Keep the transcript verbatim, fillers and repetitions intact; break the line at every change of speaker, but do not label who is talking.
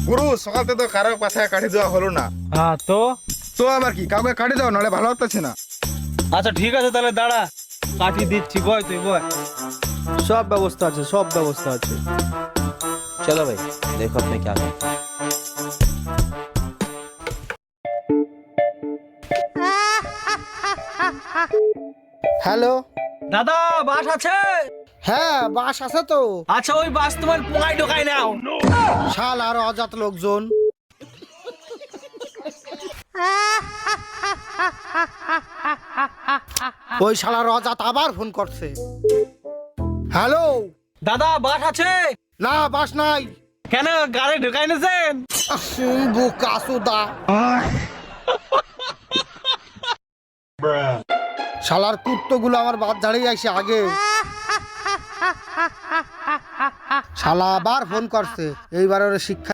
গুরু সকালতে তো কারো পাছায় কাটি দেওয়া হলো না।
হ্যাঁ তো
তো আবার কি কাউকে কাটি দাও, নাহলে ভালো হচ্ছে না।
আচ্ছা ঠিক আছে তাহলে দাঁড়া, কাটি দিচ্ছি, বয় তুই বয়।
সব ব্যবস্থা আছে, সব ব্যবস্থা আছে।
चलो भाई देखो अब मैं क्या करता हूँ।
হ্যালো,
দাদা বাস আছে?
হ্যাঁ বাস আছে তো।
আচ্ছা ওই বাস তোমার পোঙায় ঢোকায় নাও।
শাল আর অজাত লোকজন। ওই শালার অজাত আবার ফোন করছে। হ্যালো,
দাদা বাস আছে?
না বাস নাই।
কেন গাড়ি ঢোকায় নেছেন?
বোকা সুদা। শালার কুত্তগুলো আমার বাদ ঝাড়িয়ে আসে আগে। শালা আবার ফোন করছে, এইবার ওর শিক্ষা